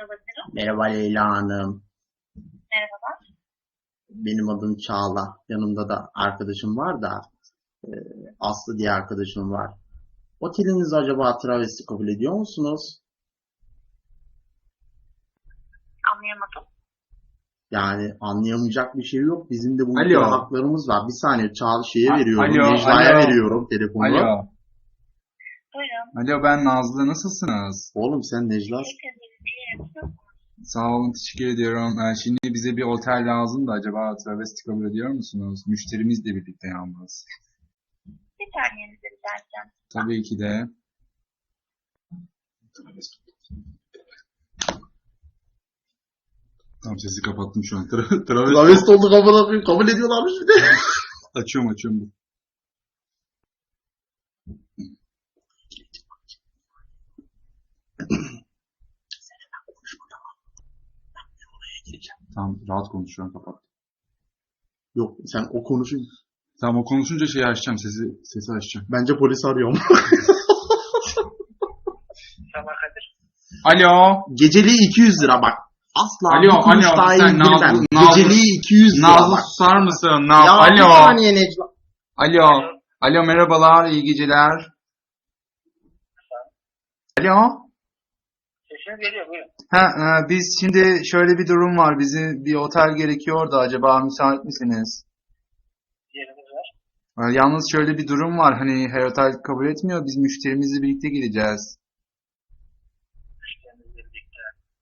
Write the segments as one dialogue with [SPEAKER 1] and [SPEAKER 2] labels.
[SPEAKER 1] olabilirim?
[SPEAKER 2] Merhaba Leyla Hanım.
[SPEAKER 1] Merhabalar.
[SPEAKER 2] Benim adım Çağla. Yanımda da arkadaşım var da e, Aslı diye arkadaşım var. Oteliniz acaba travesti kabul ediyor musunuz?
[SPEAKER 1] Anlayamadım.
[SPEAKER 2] Yani anlayamayacak bir şey yok. Bizim de bu ülkede
[SPEAKER 3] Alo.
[SPEAKER 2] haklarımız var. Bir saniye Çağla veriyorum.
[SPEAKER 3] Alo,
[SPEAKER 2] Necla'ya
[SPEAKER 3] alo.
[SPEAKER 2] veriyorum telefonu.
[SPEAKER 3] Alo.
[SPEAKER 1] Buyurun.
[SPEAKER 3] Alo, ben Nazlı. Nasılsınız?
[SPEAKER 2] Oğlum sen Necla.
[SPEAKER 1] Teşekkür ederim.
[SPEAKER 3] Sağ olun, teşekkür ediyorum. Şimdi bize bir otel lazım da acaba travesti kabul ediyor musunuz? Müşterimizle birlikte yalnız.
[SPEAKER 1] Bir saniyenizi rica edeceğim.
[SPEAKER 3] Tabii ki de. Tamam, sesi kapattım şu an. Travesti.
[SPEAKER 2] Travesti oldu kabul ediyorlarmış bir de.
[SPEAKER 3] Açıyorum. Tamam, rahat konuş, şu an kapat.
[SPEAKER 2] Yok sen o konuşun.
[SPEAKER 3] Tamam, o konuşunca şeyi açacağım, sesi açacağım.
[SPEAKER 2] Bence polisi arıyorum.
[SPEAKER 1] Sabah Kadir.
[SPEAKER 3] Alo.
[SPEAKER 2] Geceliği 200 lira bak. Asla
[SPEAKER 3] Alo,
[SPEAKER 2] bir kuruş
[SPEAKER 3] alo,
[SPEAKER 2] daha
[SPEAKER 3] sen
[SPEAKER 2] indirmem.
[SPEAKER 3] Nazlı-
[SPEAKER 2] Geceliği 200 lira
[SPEAKER 3] Nazlı
[SPEAKER 2] bak.
[SPEAKER 3] susar mısın?
[SPEAKER 2] Ya bir
[SPEAKER 3] Alo.
[SPEAKER 2] saniye Necla.
[SPEAKER 3] Alo. Alo, merhabalar, iyi geceler. Alo.
[SPEAKER 1] Sesiniz geliyor, buyurun.
[SPEAKER 3] Biz şimdi şöyle bir durum var. Bize bir otel gerekiyor da acaba müsait misiniz?
[SPEAKER 1] Yeriniz var.
[SPEAKER 3] Yalnız şöyle bir durum var. Hani her otel kabul etmiyor. Biz müşterimizle birlikte gideceğiz.
[SPEAKER 1] Müşterinizle birlikte.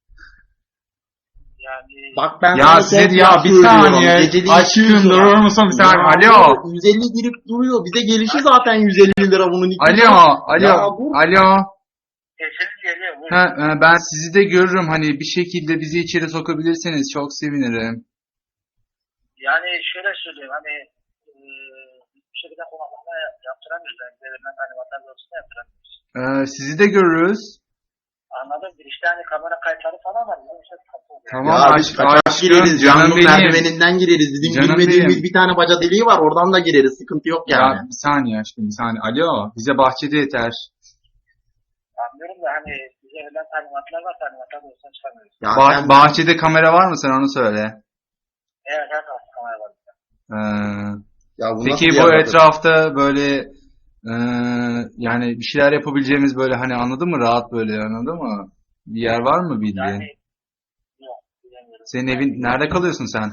[SPEAKER 1] Yani
[SPEAKER 2] Bak ben
[SPEAKER 3] Ya
[SPEAKER 2] sana
[SPEAKER 3] size
[SPEAKER 2] son
[SPEAKER 3] ya
[SPEAKER 2] fiyat
[SPEAKER 3] bir
[SPEAKER 2] söylüyorum.
[SPEAKER 3] saniye.
[SPEAKER 2] Geceliği
[SPEAKER 3] Aşkım
[SPEAKER 2] 200 lira.
[SPEAKER 3] durur musun bir saniye?
[SPEAKER 2] Ya
[SPEAKER 3] Alo.
[SPEAKER 2] bu 150 girip duruyor. Bize gelişi zaten 150 lira bunun. 200
[SPEAKER 3] Alo.
[SPEAKER 2] Ya
[SPEAKER 3] Alo.
[SPEAKER 2] bu-
[SPEAKER 3] Alo.
[SPEAKER 1] sesiniz geliyor, buyurun.
[SPEAKER 3] Ben sizi de görürüm. Hani bir şekilde bizi içeri sokabilirseniz çok sevinirim.
[SPEAKER 1] Yani şöyle söyleyeyim, hani bir şekilde konaklama yaptıramıyoruz. Yani verilen hani vatandaşına yaptıramıyoruz.
[SPEAKER 3] Sizi de görürüz.
[SPEAKER 1] Anladım. Bir işte hani kamera kayıtları falan var. Bizim işte sıkıntı oluyor.
[SPEAKER 3] Tamam,
[SPEAKER 2] Ya biz kaçak gireriz.
[SPEAKER 3] canım
[SPEAKER 2] Canlı
[SPEAKER 3] benim.
[SPEAKER 2] merdiveninden gireriz. Bizim
[SPEAKER 3] Canım
[SPEAKER 2] bilmediğimiz
[SPEAKER 3] benim.
[SPEAKER 2] bir tane baca deliği var. Oradan da gireriz. Sıkıntı yok
[SPEAKER 3] Ya
[SPEAKER 2] yani.
[SPEAKER 3] bir saniye aşkım, bir saniye. Alo, bize bahçede yeter.
[SPEAKER 1] Anlıyorum da hani bize verilen talimatlar var. Talimatlar olsa çıkamıyoruz.
[SPEAKER 2] Ya sen-
[SPEAKER 3] Bahçede kamera var mı, sen onu söyle.
[SPEAKER 1] Evet, her tarafta kamera var.
[SPEAKER 3] Ee,
[SPEAKER 2] Ya bu
[SPEAKER 3] peki
[SPEAKER 2] nasıl
[SPEAKER 3] bu
[SPEAKER 2] bir
[SPEAKER 3] etrafta böyle yani bir şeyler yapabileceğimiz böyle, hani anladın mı, rahat böyle, anladın mı? Bir yer var mı bildiğin?
[SPEAKER 1] Yani yok, bilemiyorum.
[SPEAKER 3] Senin evin nerede kalıyorsun sen?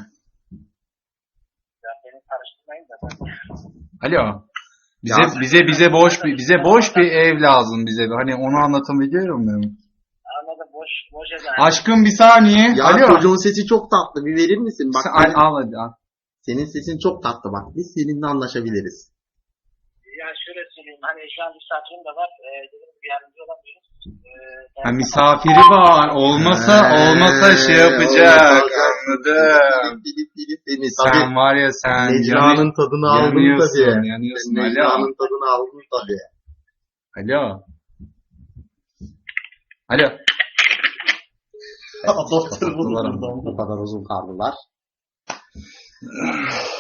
[SPEAKER 1] Ya beni karıştırmayın da ben.
[SPEAKER 3] Alo.
[SPEAKER 2] Ya-
[SPEAKER 3] Bize boş bir ev lazım bize. Hani onu anlatabiliyor muyum?
[SPEAKER 1] Anladım, boş eder.
[SPEAKER 3] Aşkım bir saniye.
[SPEAKER 2] Ya
[SPEAKER 3] Alo.
[SPEAKER 2] çocuğun sesi çok tatlı. Bir verir misin? Bak
[SPEAKER 3] Al, al hadi al.
[SPEAKER 2] senin sesin çok tatlı bak. Biz seninle anlaşabiliriz.
[SPEAKER 1] Ya şöyle söyleyeyim, hani şu an misafirim de var. Dediğim gibi yardımcı olamıyoruz.
[SPEAKER 3] Ha, misafiri var. Olmasa şey yapacak. Anladım.
[SPEAKER 2] Seni.
[SPEAKER 3] Sen
[SPEAKER 2] Tabii
[SPEAKER 3] var ya, sen
[SPEAKER 2] Necla'nın tadını aldın
[SPEAKER 3] yanıyorsun,
[SPEAKER 2] tabii.
[SPEAKER 3] yanıyorsun.
[SPEAKER 2] Sen
[SPEAKER 3] Alo.
[SPEAKER 2] Necla'nın tadını aldın tabii.
[SPEAKER 3] Alo. Alo.
[SPEAKER 2] Doktor bu kadar uzun kaldılar.